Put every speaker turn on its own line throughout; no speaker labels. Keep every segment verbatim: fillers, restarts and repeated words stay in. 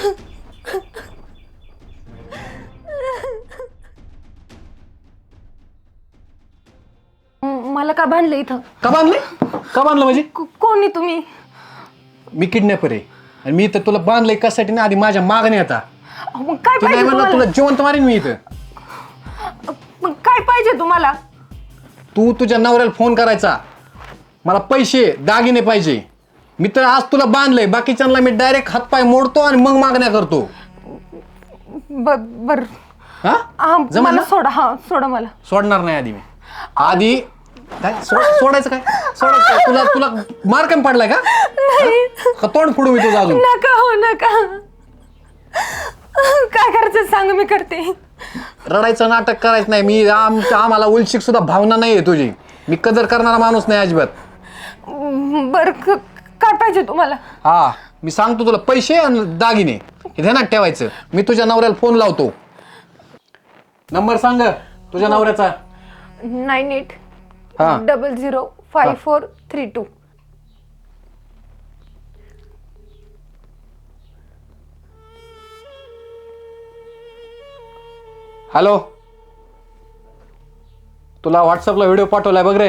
मला का बांधलं इथं?
का बांधले का बांधलं म्हणजे
कोणी तुम्ही?
मी किडनॅपर आहे आणि मी इथं तुला बांधलंय कशासाठी ना आधी माझ्या मागणी आता
मग काय
तू नाही
पाहिजे
म्हणलं तुला जिवंत मारीन मी इथं.
मग काय पाहिजे तुम्हाला?
तू तुझ्या नवऱ्याला फोन करायचा मला पैसे दागिने पाहिजे. मी तर आज तुला बांधलंय बाकीच्यांना मी डायरेक्ट हातपाय मोडतो आणि मग मागण्या करतो.
बर
हा जमलं
मला
ना?
सोडा. हा सोडा मला.
सोडणार नाही आधी मी आधी काय सो- सोडायचं काय सोडायचं काय? तुला तुला मार कमी पडलाय का का तोंड फोडू मी तुझं अजून?
नका हो नका. काय करायचं सांग मी करते.
रडायचं नाटक करायचं नाही. मी आम आम्हाला उलशिक सुद्धा भावना नाही आहे तुझी. मी कदर करणारा माणूस नाही अजिबात.
बर काय पाहिजे तुम्हाला?
हा मी सांगतो तुला पैसे आणि दागिने हे ध्यानात ठेवायचं. मी तुझ्या नवऱ्याला फोन लावतो. नंबर सांग तुझ्या नवऱ्याचा.
नाईन एट
हा
double zero five four three two.
Hello तुला व्हॉट्सअपला व्हिडिओ पाठवलाय बघ रे.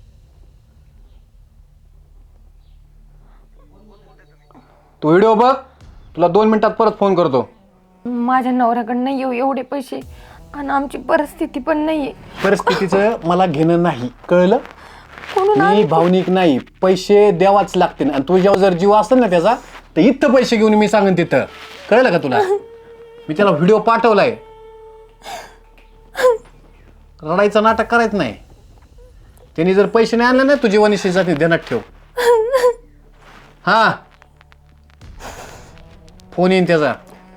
तू व्हिडिओ बघ तुला दोन मिनिटात परत फोन करतो.
माझ्या नवऱ्याकडनं येऊ एवढे पैसे आणि आमची परिस्थिती पण नाहीये.
परिस्थितीचं मला घेणं नाही कळलं. मी भावनिक नाही. पैसे द्यावाच लागतील आणि तुझ्यावर जर जीव असेल ना त्याचा तर इथं पैसे घेऊन मी सांगेन तिथं. कळलं का तुला? मी त्याला व्हिडिओ पाठवलाय. रडायचं नाटक करायचं नाही. त्यांनी जर पैसे नाही आणले ना तुझी वनिशी जाते ध्यानात ठेव. हा फोन येईन त्याचा.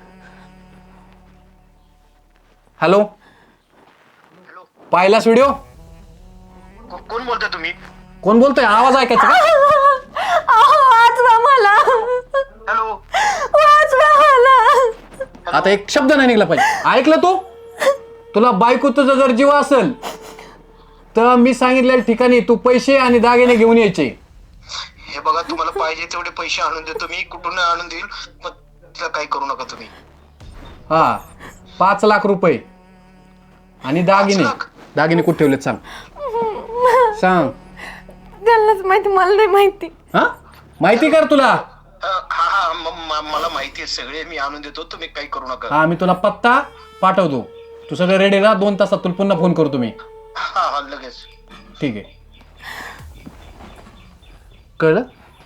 हॅलो पाहिलास व्हिडिओ?
कोण बोलताय तुम्ही?
कोण बोलतोय? आवाज ऐकायचा का?
वाचवा मला.
हॅलो
वाचवा मला.
आता एक शब्द नाही निघला पाहिजे. ऐकलं तू? तुला बायको तुझा जर जीव असेल तर मी सांगितलेल्या ठिकाणी तू पैसे आणि दागिने घेऊन यायचे.
हे बघा तुम्हाला पाहिजे तेवढे पैसे आणून देतो मी. कुठून आणून देईल पण तिला काही करू नका तुम्ही.
हा पाच लाख रुपये आणि दागिने.
पाच लाख?
दागिने कुठे ठेवलेत सांग सांग.
त्यांनाच माहिती मला नाही माहिती.
हा माहिती कर तुला.
अं, हा हा म- म- मला माहिती आहे सगळे. मी आणून देतो तुम्ही काही करू नका.
हा मी तुला पत्ता पाठवतो. तू सगळं रेडी राहा. दोन तासात तुला पुन्हा फोन करतो मी.
हा हा लगेच.
ठीक आहे कळलं?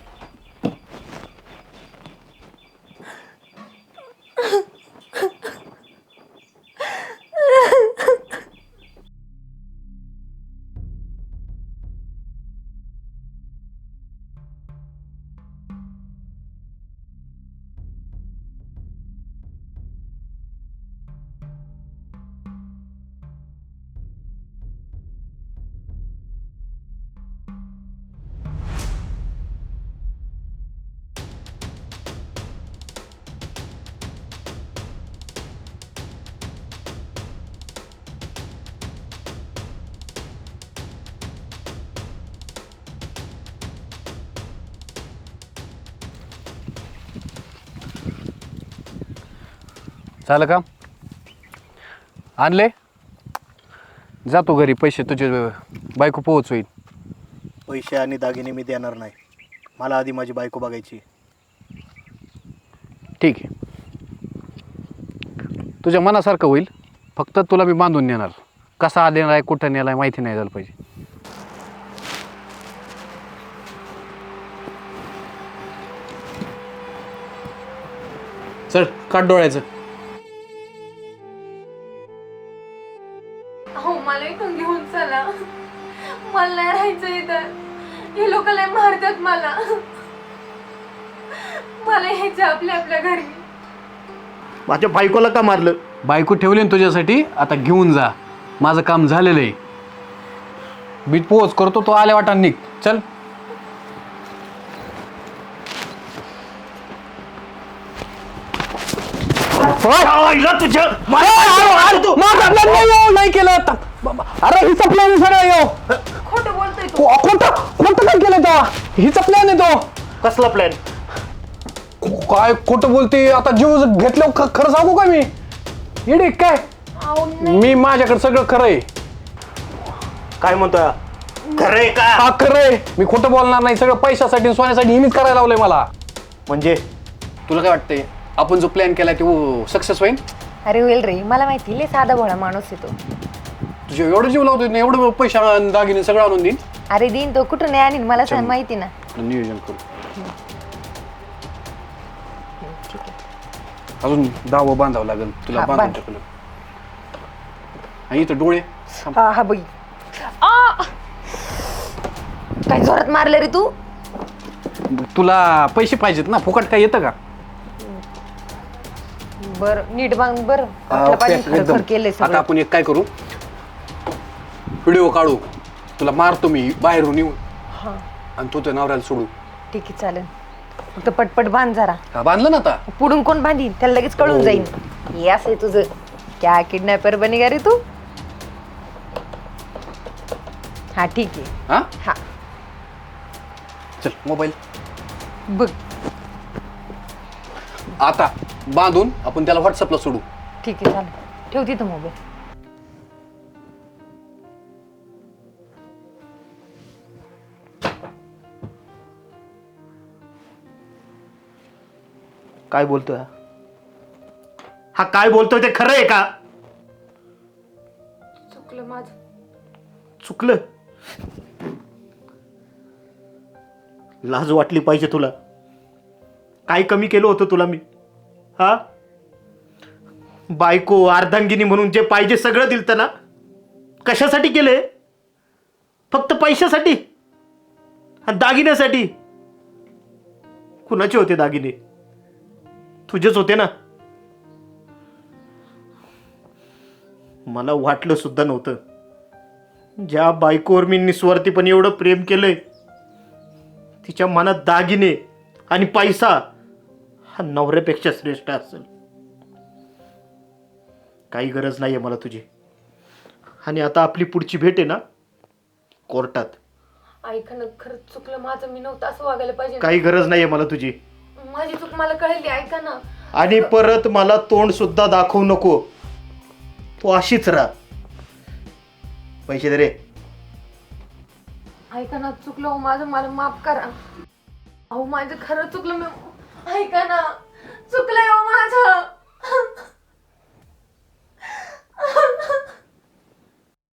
झालं का? आणले? जातो घरी. पैसे तुझे बायको पोहोचवेल.
पैसे आणि दागिने मी देणार नाही. मला आधी माझी बायको बघायची.
ठीक आहे तुझ्या मनासारखं होईल. फक्त तुला मी बांधून नेणार. कसा देणार आहे कुठं नेला आहे माहिती नाही झालं पाहिजे. चल काढ डोळ्याचं.
हो मला इथून घेऊन चला. मला नाही राहायचं इथं. हे लोक लय मारतात मला. मला ह्याच्या आपल्या आपल्या घरी.
माझ्या बायकोला का मारलं?
बायको ठेवली ना तुझ्यासाठी. आता घेऊन जा. माझं काम झालेलं आहे. मी पोच करतो. तो आल्या वाटा निघ. चल नाही केलं. अरे हिचा प्लॅन सगळं यो.
खोटं बोलतोय तू.
खोटं खोटं काय केलं तेव्हा? हिचा प्लॅन आहे तो.
कसला प्लॅन?
काय खोटं बोलते आता? जीव घेतलं खरं सांगू का मी? येडे काय?
अहो नाही.
मी माझ्याकडे सगळं खरं आहे.
काय म्हणतोय? खरंय का?
हा खरं आहे. मी खोटं बोलणार नाही. सगळं पैशासाठी आणि सोन्यासाठी हिनीच करायला लावलंय मला.
म्हणजे
तुला काय वाटतंय आपण जो प्लॅन केलाय तो सक्सेस होईल?
अरे होईल रे, मला माहिती लय साधा भोळा माणूस आहे तो.
तुझे एवढं जीव लावतोय ना, एवढं पैसा आणि दागिने सगळं आणून देईन.
अरे देईन तो, कुठून नाही आणीन मला सांग, माहिती ना.
नियोजन करू. अजून दावं बांधावं लागेल तुला.
हा,
बांधून
बांध.
टाकलं आणि इथं डोळे.
हा हा बाई. आ! काय जोरात मारलं रे तू?
तुला पैसे पाहिजेत ना, फुकट काय येतं का?
बर नीट बांग बर.
हा,
आपलं
ओके,
पाहिजे खरं
एकदम.
खरं केलंय
आता
सगळं.
आपण एक काय करू, व्हिडिओ काढू, तुला मारतो मी बाहेरून येऊन
हा
आणि तू त्या नवऱ्याला सोडू.
ठीक आहे चालेल, फक्त पटपट बांध जरा.
हा, बांधलं ना आता?
पुढून कोण बांधीन त्याला लगेच कळून
हो.
जाईल. हे असं आहे तुझं. क्या किडनॅपर बनेगा रे तू? हा ठीक आहे.
हा
हा
चल मोबाईल
बघ.
आता बांधून आपण त्याला व्हॉट्सअपला सोडू.
ठीक आहे चालेल, ठेव तिथं मोबाईल.
काय बोलतोय हा? हा काय बोलतोय ते खरं आहे का?
चुकलं माझं.
चुकलं? लाज वाटली पाहिजे तुला. काय कमी केलं होतं तुला मी? हा, बायको अर्धांगिनी म्हणून जे पाहिजे सगळं दिलतं ना. कशासाठी केले? फक्त पैशासाठी आणि दागिन्यासाठी. कुणाचे होते दागिने? तुझेच होते ना. मला वाटलं सुद्धा नव्हतं, ज्या बायकोवर मी निस्वार्थीपणे एवढं प्रेम केलंय तिच्या मनात दागिने आणि पैसा हा नवऱ्यापेक्षा श्रेष्ठ असेल. काही गरज नाहीये मला तुझी. आणि आता आपली पुढची भेट आहे ना कोर्टात.
ऐका ना, खरंच चुकलं माझं. मी नव्हतं असं वागायला पाहिजे.
काही गरज नाहीये मला तुझी.
माझी चूक मला कळली. ऐका ना.
आणि परत मला तोंड सुद्धा दाखवू नको. तू अशीच राहा. पैसे दे रे.
ऐका ना, चुकलं हो माझं, मला माफ करा. अहो माझं खरं चुकलं. मी ऐका ना, चुकलंय हो माझं.